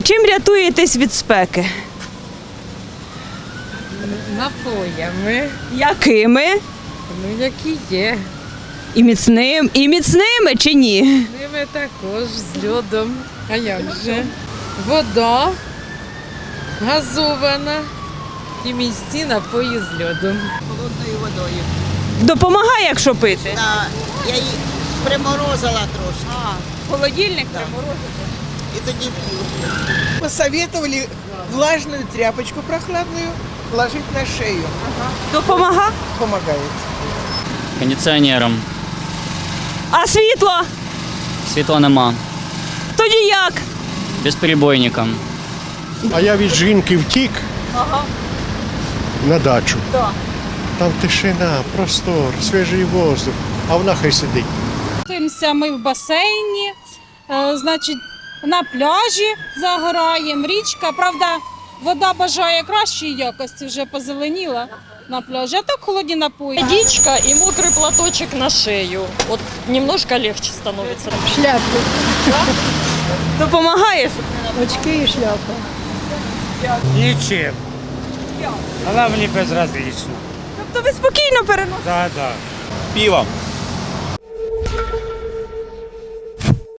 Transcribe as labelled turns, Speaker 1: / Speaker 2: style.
Speaker 1: Чим рятуєтесь від спеки?
Speaker 2: Напоями,
Speaker 1: Якими?
Speaker 2: ну які є.
Speaker 1: І міцними чи ні?
Speaker 2: Ними також з льодом. А як же? Вода газована і міцні напої з льодом.
Speaker 3: Холодною водою.
Speaker 1: Допомагає, якщо пити?
Speaker 3: Да, я її приморозила трошки.
Speaker 1: Холодильник
Speaker 3: І тоді п'ю.
Speaker 4: Посоветовали влажную тряпочку прохладную ложить на шею.
Speaker 1: Допомагає?
Speaker 4: Помогает.
Speaker 5: Кондиціонером.
Speaker 1: А світло?
Speaker 5: Світла нема.
Speaker 1: Тоді як?
Speaker 5: Безперебойником.
Speaker 6: А я від жінки втік на дачу. Там тишина, простор, свіжий воздух, а вона хай сидить.
Speaker 7: Купаємося ми в басейні, значить, на пляжі загораємо, річка. Правда, вода бажає кращої якості, вже позеленіла на пляжі, а так холодні напої.
Speaker 8: Водичка и мокрый платочек на шею. Вот немножко легче становится.
Speaker 1: Допомагає?
Speaker 9: Нічим. Вона мені безразлічна.
Speaker 1: Тобто ви спокійно переносите?
Speaker 9: Да, да.
Speaker 10: Пивом.